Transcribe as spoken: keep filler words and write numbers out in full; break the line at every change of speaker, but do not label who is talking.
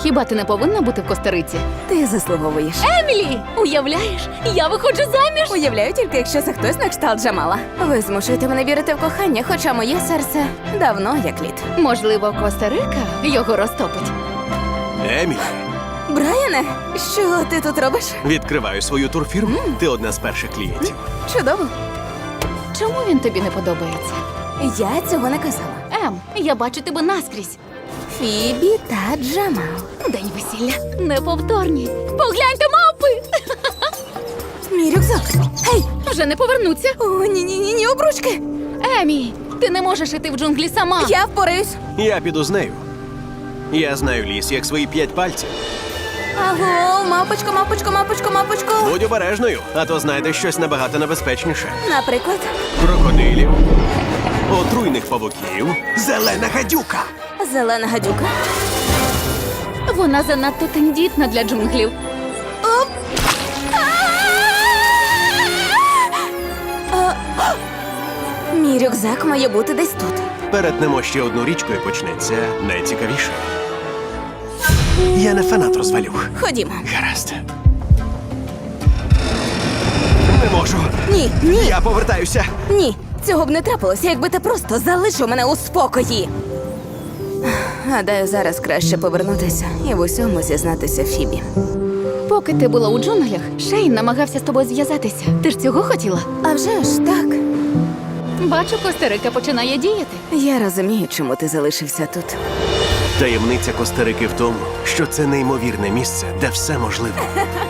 Хіба ти не повинна бути в Коста-Риці?
Ти заслуговуєш.
Емілі! Уявляєш, я виходжу заміж!
Уявляю тільки, якщо це хтось на кшталт Джамала. Ви змушуєте мене вірити в кохання, хоча моє серце давно як лід.
Можливо, Коста-Рика його розтопить.
Емілі,
Брайане, що ти тут робиш?
відкриваю свою турфірму. Ти одна з перших клієнтів.
Чудово.
Чому він тобі не подобається?
Я цього не казала.
Ем, я бачу тебе наскрізь.
Фібі та Джамал.
День весілля. Неповторні. Погляньте, мавпи!
Мій рюкзак. Гей!
Вже не повернуться.
О, ні-ні-ні, обручки.
Емі, ти не можеш іти в джунглі сама.
Я впораюсь.
Я піду з нею. Я знаю ліс, як свої п'ять пальців.
Аго, мапочко, мапочко, мапочко, мапочко.
Будь обережною, а то знайдеш щось набагато небезпечніше.
Наприклад,
Крокодилів, отруйних павуків, зелена гадюка.
зелена гадюка.
Вона занадто тендітна для джунглів.
Оп! А, а! Мій рюкзак має бути десь тут.
Перетнемо ще одну річку і почнеться найцікавіше. Я не фанат розвалюх.
Ходімо.
Гаразд. Не можу.
Ні, ні,
Я повертаюся.
ні. Цього б не трапилося, якби ти просто залишив мене у спокої. Гадаю, зараз краще повернутися і в усьому зізнатися Фібі.
Поки ти була у джунглях, Шейн намагався з тобою зв'язатися. Ти ж цього хотіла?
А вже ж так.
Бачу, Коста-Рика починає діяти.
Я розумію, чому ти залишився тут.
Таємниця Коста-Рики в тому, що це неймовірне місце, де все можливо.